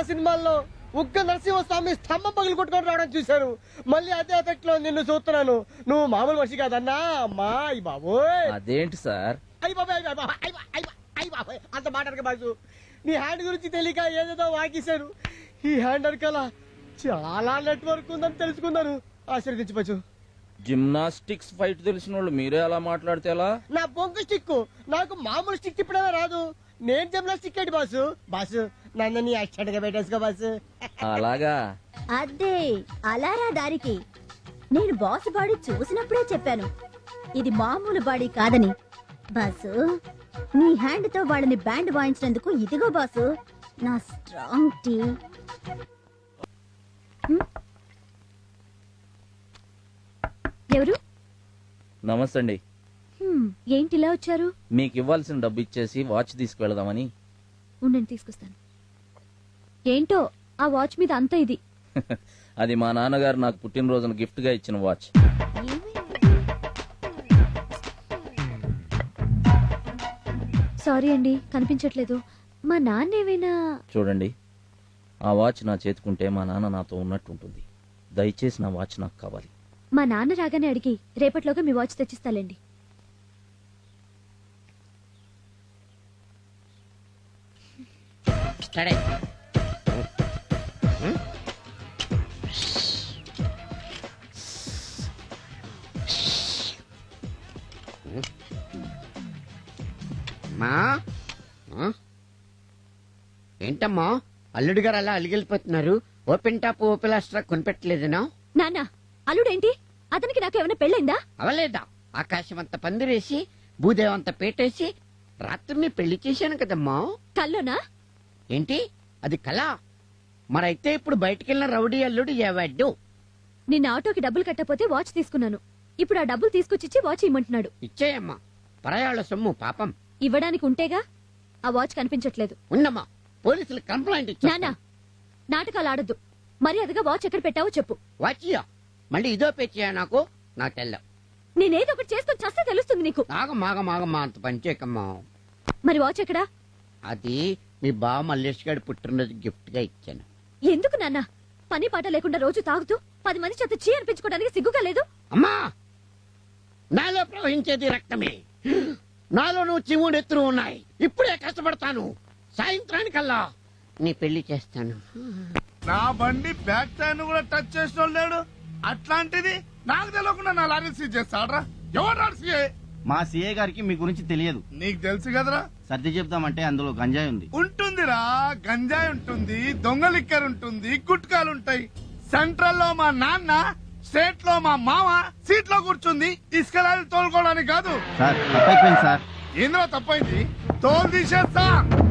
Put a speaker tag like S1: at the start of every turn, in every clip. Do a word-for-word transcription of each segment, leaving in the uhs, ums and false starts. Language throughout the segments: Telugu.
S1: చాలా సినిమాల్లో ఉగ్గ నరసింహస్వామి స్తంభం పగిలి కొట్టుకొని రావడం చూశాను. మళ్ళీ అదే ఎఫెక్ట్ లో నిన్ను చూస్తున్నాను. నువ్వు మామూలు మనిషి కాదన్నా. అమ్మా అయ్యి బాబోయ్.
S2: అదేంటి సార్?
S1: అయ్యి బాబాయ్ అయ్యి బాబాయ్ అంత మాట్లాడక బాసు. నీ హ్యాండ్ గురించి తెలియక ఏదేదో వాకిశాను. ఈ హ్యాండ్ అరకల చాలా నెట్వర్క్ ఉందని తెలుసుకున్నాను. ఆశీర్వదించవచ్చు.
S2: జిమ్నాస్టిక్స్ ఫైట్ తెలిసిన వాళ్ళు మీరే అలా మాట్లాడితే ఎలా?
S1: నా బొంగు స్టిక్ నాకు మామూలు స్టిక్ తిప్పడమే రాదు. నేను జిమ్నాస్టిక్ ఏంటి బాసు? బాసు నన్ను నీ యాక్సిడెంట్ గా పెట్టేసుకో బాసు.
S2: అలాగా?
S3: అదే అలారా దారికి. నేను బాస్ బాడీ చూసినప్పుడే చెప్పాను ఇది మామూలు బాడీ కాదని. బాసు నీ హ్యాండ్ తో వాళ్ళని బ్యాండ్ వాయించినందుకు ఇదిగో బాసు నా స్ట్రాంగ్ టీ. ఎవరు?
S2: నమస్తే అండి.
S3: ఏంటి ఇలా వచ్చారు?
S2: మీకు ఇవ్వాల్సిన డబ్బు ఇచ్చేసి వాచ్ తీసుకువెళదామని.
S3: ఉండండి తీసుకొస్తాను. ఏంటో ఆ వాచ్ మీద అంత ఇది.
S2: అది మా నాన్నగారు నాకు పుట్టినరోజున గిఫ్ట్ గా ఇచ్చిన వాచ్.
S3: సారీ అండి కనిపించట్లేదు. మా నాన్న ఏమైనా?
S2: చూడండి, ఆ వాచ్ నా చేతుకుంటే మా నాన్న నాతో ఉన్నట్టు ఉంటుంది. దయచేసి నా వాచ్ నాకు కావాలి.
S3: మా నాన్న రాగానే అడిగి రేపట్లోగా మీ వాచ్ తెచ్చిస్తాలేండి.
S4: ఏంటమ్మా అల్లుడు గారు అలా అలిగిలిపోతున్నారు? ఓపెన్ టాప్ ఓపెన్ లాస్ట్రా కొనిపెట్టలేదనా?
S3: నాన్న అల్లుడేంటి? అతనికి నాకు ఏమైనా పెళ్ళైందా?
S4: అవలేదా? ఆకాశం అంత పందిరేసి భూదేవంత పేటేసి రాత్రిని పెళ్లి చేశాను కదమ్మా.
S3: కల్లోనా?
S4: ఏంటి అది కళ? మరైతే ఇప్పుడు బయటికెళ్ళిన రౌడీ అల్లుడు ఏవాడు?
S3: నిన్న ఆటోకి డబ్బులు కట్టపోతే వాచ్ తీసుకున్నాను. ఇప్పుడు ఆ డబ్బులు తీసుకొచ్చిచ్చి వాచ్ ఇమ్మంటున్నాడు.
S4: ఇచ్చేయమ్మా, పరాయాళ్ళ సొమ్ము పాపం.
S3: ఇవ్వడానికి ఉంటేగా. ఆ వాచ్ కనిపించట్లేదు.
S4: ఉన్నమ్మా, పోలీసులు కంప్లైంట్ ఇచ్చా.
S3: నాన్న నాటకాలు ఆడద్దు. మర్యాదగా వాచ్ ఎక్కడ పెట్టావో చెప్పు.
S4: వాచియా మళ్ళీ ఇదో పేచియా? నాకు నాకు తెల్ల.
S3: నేనేదో ఒకటి చేసుకుని చస్తే తెలుస్తుంది నీకు.
S4: ఆగమాగమాగమ్మా, అంత పనిచేయకమ్మా.
S3: మరి వాచ్ ఎక్కడా?
S4: అది మీ బావ మల్లేష్ గారి పుట్టినరోజు గిఫ్ట్ గా ఇచ్చాను.
S3: ఎందుకు నాన్న? పని పాట లేకుండా రోజు తాగుతూ పది మంది చేత చీ అనిపించుకోవడానికి సిగ్గుగా లేదు?
S4: అమ్మా, నాలో ప్రవహించేది రక్తమే. నాలో నువ్వు చివుడు ఎత్తులు ఉన్నాయి. ఇప్పుడే కష్టపడతాను. సాయంత్రానికల్లా నీ పెళ్లి చేస్తాను.
S5: నా బండి బ్యాక్ టైర్ కూడా టచ్ చేసిన లేడు. అట్లాంటిది నాకు తెలియకుండా నా లారీ సీజ్ చేస్తాడ్రా. ఎవరు సీఏ?
S6: మా సీఏ గారికి మీ గురించి తెలియదు.
S5: నీకు తెలుసు కదరా.
S6: సర్ది చెప్తామంటే అందులో గంజాయి ఉంది.
S5: ఉంటుందిరా, గంజాయి ఉంటుంది, దొంగ లిక్కర్ ఉంటుంది, గుట్కాలు ఉంటాయి. సెంట్రల్ లో మా నాన్న, స్టేట్ లో మా మామ సీట్ లో కూర్చుంది ఇసుక లారీ తోలుకోవడానికి కాదు.
S6: సార్ తప్పైపోయింది సార్.
S5: ఏంద్రా తప్పైంది? తోలు తీసేస్తా.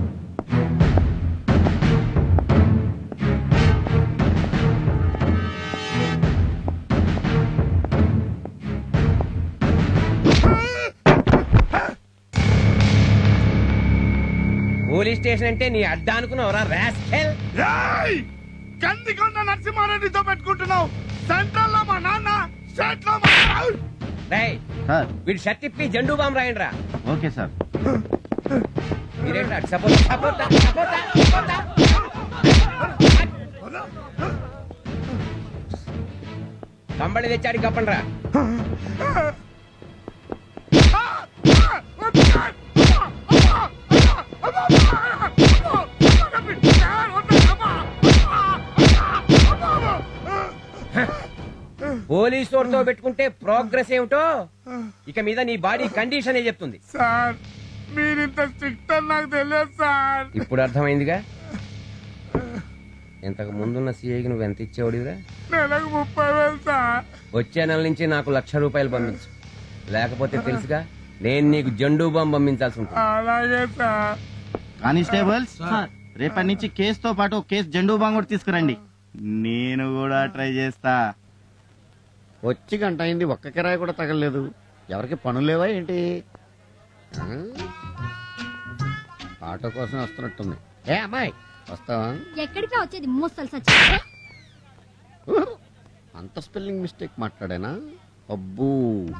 S7: పోలీస్ స్టేషన్ అంటే నీ అడ్డా అనుకున్నావురా రాస్కెల్.
S5: కందికొండ నరసింహారెడ్డితో పెట్టుకుంటున్నావు. సెంట్రల్ లో మా నాన్న, స్టేట్ లో మా
S7: రేయ్,
S6: సార్
S7: వీడు షర్ట్ ఇప్పి జెండూ బాంబు రాయండి రా.
S6: Okay sir.
S7: మీరేంట్రా సపోర్ట్ సపోర్ట్ సపోర్ట్ సపోర్ట్ కంబళి తెచ్చాడు కప్పండి రా. పోలీసు వారితో పెట్టుకుంటే ప్రోగ్రెస్ ఏమిటో ఇక మీద నీ బాడీ కండిషన్ ఏ చెప్తుంది.
S5: సార్ మీరింత స్ట్రిక్ట్ అని నాకు తెలియదు సార్.
S7: ఇప్పుడు అర్థమైందిగా. ఇంతకు ముందున్న సీఐకి నువ్వు ఎంత ఇచ్చేవాడివిరా?
S5: నెలకు ముప్పై వేలు సార్.
S7: వచ్చే నెల నుంచి నాకు లక్ష రూపాయలు పంపించు. లేకపోతే తెలుసుగా నేను నీకు జెండూ బాంబు పంపించాల్సి ఉంటుంది.
S5: అలాగే సార్.
S6: కానిస్టేబుల్స్, రేపటి నుంచి కేసుతో పాటు కేసు జెండూ బాంబు కూడా తీసుకురండి. నేను కూడా ట్రై చేస్తా.
S4: వచ్చి గంట అయింది, ఒక్క కిరాయి కూడా తగలలేదు. ఎవరికి పనులు లేవా ఏంటి? ఆటో కోసం వస్తున్నట్టుంది. ఏ అమ్మాయి వస్తావా?
S3: ఎక్కడికి వచ్చేది మోస్తలు సచ్చి.
S4: అంత స్పెల్లింగ్ మిస్టేక్ మాట్లాడానా? అబ్బూ,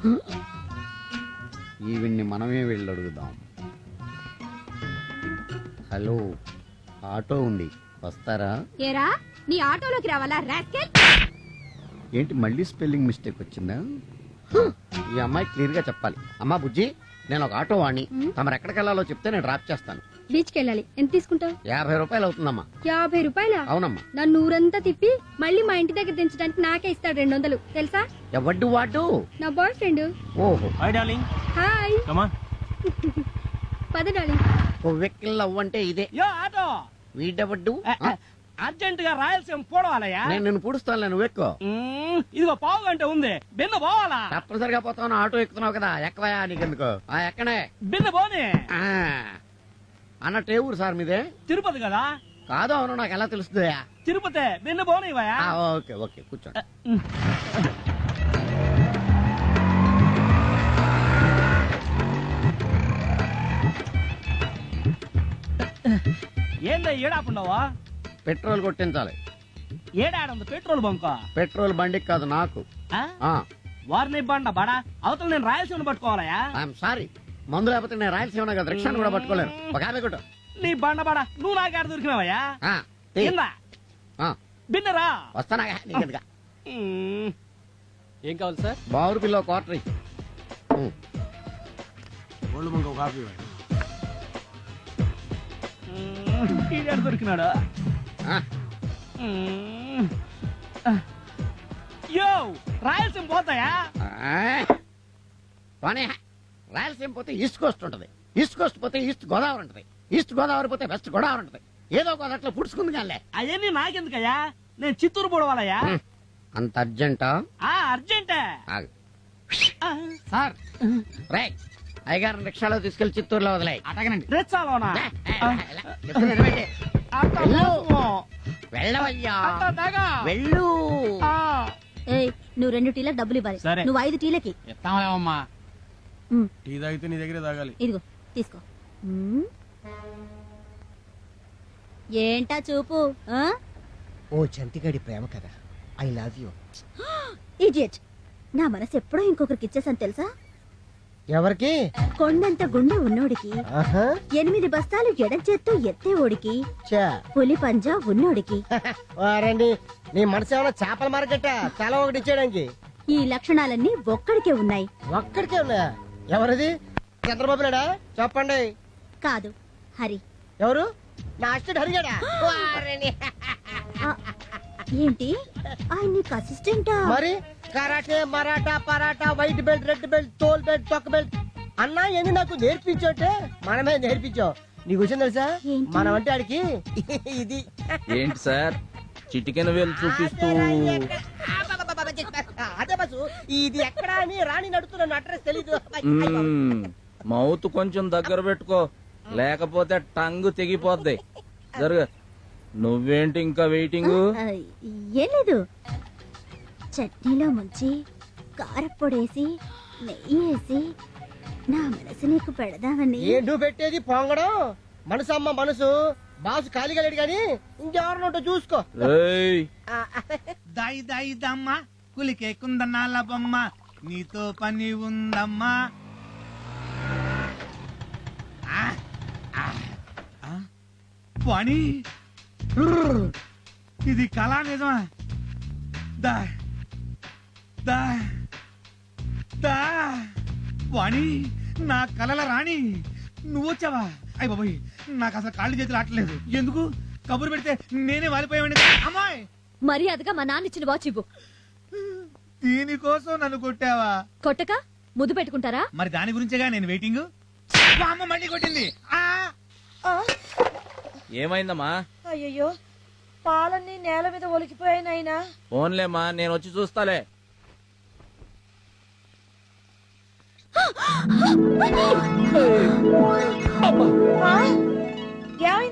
S4: ఈవిడ్ని మనమే వెళ్ళి అడుగుదాం. హలో, ఆటో ఉంది, వస్తారా?
S3: ఏరా నీ ఆటోలోకి రావాలా రాస్కెల్?
S4: ఏంటి మళ్ళీ స్పెల్లింగ్ మిస్టేక్ వచ్చిందా? ఈ అమ్మాయి క్లియర్ గా చెప్పాలి. అమ్మా బుజ్జి, నేను ఒక ఆటో వాణ్ణి, తమరు ఎక్కడికి వెళ్ళాలో చెప్తే నేను డ్రాప్ చేస్తాను.
S8: బీచ్కి వెళ్ళాలి. ఎంత తీసుకుంటావు?
S4: యాభై రూపాయలు అవుతుందమ్మా.
S8: యాభై రూపాయల?
S4: అవునమ్మా.
S8: నన్ను ఊరంతా తిప్పి మళ్ళీ మా ఇంటి దగ్గర దించడానికి నాకే ఇస్తాడు రెండు వందలు తెలుసా?
S4: ఎవడ్డు వాడు?
S8: నా బాయ్ ఫ్రెండ్.
S4: ఓహో,
S6: hi darling,
S8: hi.
S6: Come on.
S8: పద డార్లింగ్.
S4: ఓ వెక్కిల్ అవ్వంటే ఇదే.
S9: Yo auto
S4: వీడెవడ్డు?
S9: అర్జెంట్ గా రాయలసీమ పోవాలయ్యా.
S4: నేను నిన్ను పూడుస్తాను, నువ్వు ఎక్కువ.
S9: మ్మ్, ఇదిగో పావు గంట ఉంది, బిన్న పోవాలా?
S4: తప్పనిసరిగా పోతాను, ఆటో ఎక్కుతున్నావు కదా, ఎక్కవయా నీకెందుకు? ఆ ఎక్కనే.
S9: బిన్న పోనీ.
S4: ఆ, అన్నట్టు ఏ ఊరు సార్ మీదే?
S9: తిరుపతి కదా?
S4: కాదు, అవును, నాకు ఎలా తెలుస్తుందా?
S9: తిరుపతి, బిన్న పోనీవయ్యా.
S4: ఆ, ఓకే ఓకే, కూర్చోండి.
S9: ఏందా ఏడాపుండవా?
S4: పెట్రోల్ కొట్టించాలి.
S9: ఏడాడుంది పెట్రోల్ బంక్?
S4: పెట్రోల్ బండికి కాదు, నాకు.
S9: వారిని బండ బడా అవతల నేను రాయలసీమ పట్టుకోవాలయా?
S4: ఐఎమ్ సారీ, మందు లేకపోతే నేను రాయలసీమ కదా, రిక్షాను కూడా పట్టుకోలేను. ఒక యాభై కొట్టు.
S9: నీ బండ బడా నువ్వు నాకాడ దొరికినావయ్యా?
S4: ఆ, తీ.
S9: కింద
S4: ఆ,
S9: బిన్నరా.
S4: వస్తానా నీకెందుగా?
S9: మ్మ్. ఏం కావాలి సార్?
S4: బావురు పిల్ల క్వార్టర్ ఇయ్యి. ఉం.
S9: మ్మ్. ఈడాడు దొరికినాడా?
S4: ఆ,
S9: మ్మ్. యో రాయలసీమ పోతాయా?
S4: ఆ. పోనీ, రాయలసీమ పోతే ఈస్ట్ కోస్ట్ ఉంటది, ఈస్ట్ కోస్ట్ పోతే ఈస్ట్ గోదావరి ఉంటది, ఈస్ట్ గోదావరి పోతే వెస్ట్ గోదావరి ఉంటది. ఏదో ఒక అట్లా పుడుచుకుంది కానీ.
S9: అవన్నీ నాకెందుకయ్యా? నేను చిత్తూరు పోవాలయ్యా.
S4: అంత అర్జెంటా?
S9: ఆ అర్జెంటే.
S4: ఆగు.
S9: ఆ,
S4: సార్, రే అయ్యగారిని రిక్షాలో తీసుకెళ్లి చిత్తూరులో వదిలేయ్.
S9: రెచ్చాలోనా?
S4: చెప్తున్నా వినండి.
S9: అట్ట
S4: వెళ్ళు.
S9: మోసమో.
S4: వెళ్ళవయ్యా,
S9: అట్ట దగా.
S4: వెళ్ళు.
S9: ఆ,
S3: ఏయ్ నువ్వు రెండు టీలకు డబ్బులు ఇవ్వాలి.
S9: సరే.
S3: నువ్వు ఐదు టీలకి.
S9: ఎత్తామలేమమ్మా.
S3: ఉమ్,
S5: టీ తాగితే నీ దగ్గర తాగాలి.
S3: ఇదిగో తీసుకో. ఉమ్. ఏంటా చూపు? ఆ?
S1: ఓ చంటిగాడి ప్రేమ కదా, ఐ లవ్ యూ.
S3: ఇడియట్. నా మనసు ఎప్పుడో ఇంకొకరికి ఇచ్చేసాను తెలుసా?
S1: ఎవరికి?
S3: కొండంత గుండె ఉన్నోడికి,
S1: ఆహా,
S3: ఎనిమిది బస్తాలు ఎడం చేత్తో ఎత్తేవోడికి,
S1: చా.
S3: పులి పంజా ఉన్నోడికి.
S1: వారండి, నీ మనసు ఏమైనా చేపల మార్కెట్? తల ఒకటి ఇచ్చేయడానికి.
S3: ఈ లక్షణాలన్నీ ఒక్కడికే ఉన్నాయి.
S1: ఒక్కడికే ఉన్నాయా? ఎవరిది? చంద్రబాబు నాయుడా? చెప్పండి.
S3: కాదు, హరి.
S1: ఎవరు? నా అసిస్టెంట్ హరిగాడా? వారిని.
S3: ఆ, ఏంటి ఆయన నీకు అసిస్టెంటా?
S1: మరి karate, Maratha, paratha, white belt, red belt, తోల్ బెల్ట్, తొక్క బెల్ట్ అన్నా ఎన్ని నాకు నేర్పించోటే మనమే నేర్పించావు. నీకు విషయం తెలుసా?
S3: ఏంటి?
S1: మనం అంటే ఆడికి ఇది.
S2: ఏంటి సార్ చిటికెన వేలు చూపిస్తూ?
S1: అదే బస్సు, ఇది ఎక్కడా అని రాణి నడుతున్న అడ్రస్ తెలీదు.
S2: మ్మ్. మౌత్ కొంచెం దగ్గర పెట్టుకో, లేకపోతే టంగ్ తెగిపోద్ది. జరుగు. నువ్వేంటి ఇంకా వెయిటింగ్?
S3: ఆ, ఏం లేదు. చట్నీలో ముంచి కారప్పొడేసి నెయ్యి వేసి నా మనసు నీకు పెడదామని.
S1: ఏంటూ పెట్టేది పొంగడం? మనసు అమ్మ మనసు. బాసు ఖాళీగా లేడు గాని ఇంకెవరినోటో చూసుకో.
S2: ఏయ్,
S5: దాయి దాయి దమ్మ కులికే కుందనాల బొమ్మ, నీతో పని ఉందమ్మా. ఆ, ఆ, ఆ, పని ఇది కళా నిజమా? దా దా దా వాణి, నా కలల రాణి నువ్వు వచ్చావా? అయ్య బాబోయ్, నాకు అసలు కాళ్ళు చేతులు ఆటలేదు. ఎందుకు? కబురు పెడితే నేనే వాలిపోయావండి. అమ్మాయి,
S8: మర్యాదగా మా నాన్న ఇచ్చిన వాచ్ ఇవ్వు.
S5: దీనికోసం నన్ను కొట్టావా?
S8: కొట్టక ముద్దు పెట్టుకుంటారా?
S5: మరి దాని గురించేగా నేను వెయిటింగ్. మా అమ్మ మళ్ళీ కొట్టింది. ఆ
S2: ఏమైందమ్మా?
S10: అయ్యో, పాలన్నీ నేల మీద ఒలికిపోయాయి నాయనా.
S2: ఫోన్లేమ్మా, నేను వచ్చి చూస్తాలే.
S10: ఏమైంది?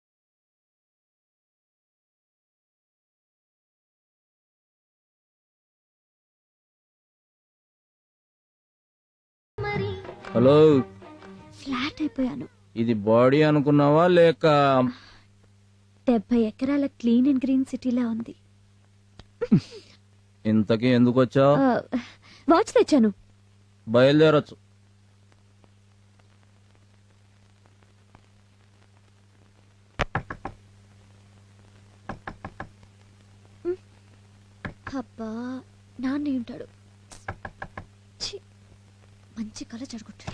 S2: హలో,
S8: ఫ్లాట్ అయిపోయాను.
S2: ఇది బాడీ అనుకున్నావా లేక?
S8: డెబ్బై ఎకరాల క్లీన్ అండ్ గ్రీన్ సిటీలా ఉంది.
S2: ఇంతకీ ఎందుకు వచ్చావు?
S8: ఆ, వాచ్ తెచ్చాను.
S2: బయలుదేరొచ్చు.
S3: అబ్బా నాన్న ఉంటాడు. ఛీ, మంచి కళ జరుగుతాడు.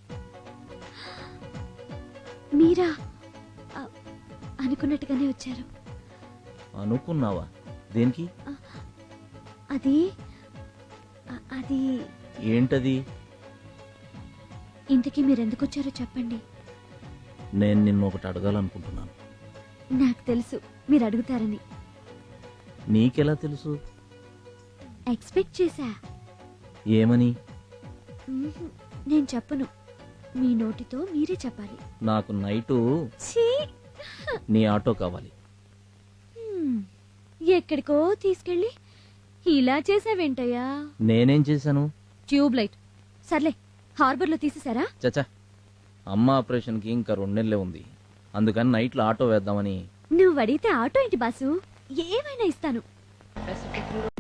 S3: మీరా ఆ, అనుకున్నట్టుగానే వచ్చారు.
S2: అనుకున్నావా? దేనికి?
S3: అది ఆ, అది
S2: ఏంటది?
S3: ఇంతకీ మీరెందుకు వచ్చారో చెప్పండి.
S2: నేను నిన్ను ఒకటి అడగాలనుకుంటున్నాను.
S3: నాకు తెలుసు మీరు అడుగుతారని.
S2: నీకెలా తెలుసు?
S3: ఎక్స్పెక్ట్ చేశా.
S2: ఏమని?
S3: మ్మ్హ్, నేను చెప్పను. మీ నోటితో మీరే చెప్పాలి.
S2: నాకు నైటు
S3: ఛీ!
S2: నీ ఆటో కావాలి.
S3: హ్మ్, ఎక్కడికో తీసుకెళ్ళి ఇలా చేసావేంటయ్యా?
S2: నేనేం చేశాను?
S3: Tube light. సర్లే, హార్బర్ లో తీసేసారా?
S2: చచ్చా, అమ్మ ఆపరేషన్కి ఇంకా రెండు నెలలే ఉంది. అందుకని నైట్లో ఆటో వేద్దామని.
S3: నువ్వు అడిగితే ఆటో ఏంటి బాసు, ఏమైనా ఇస్తాను.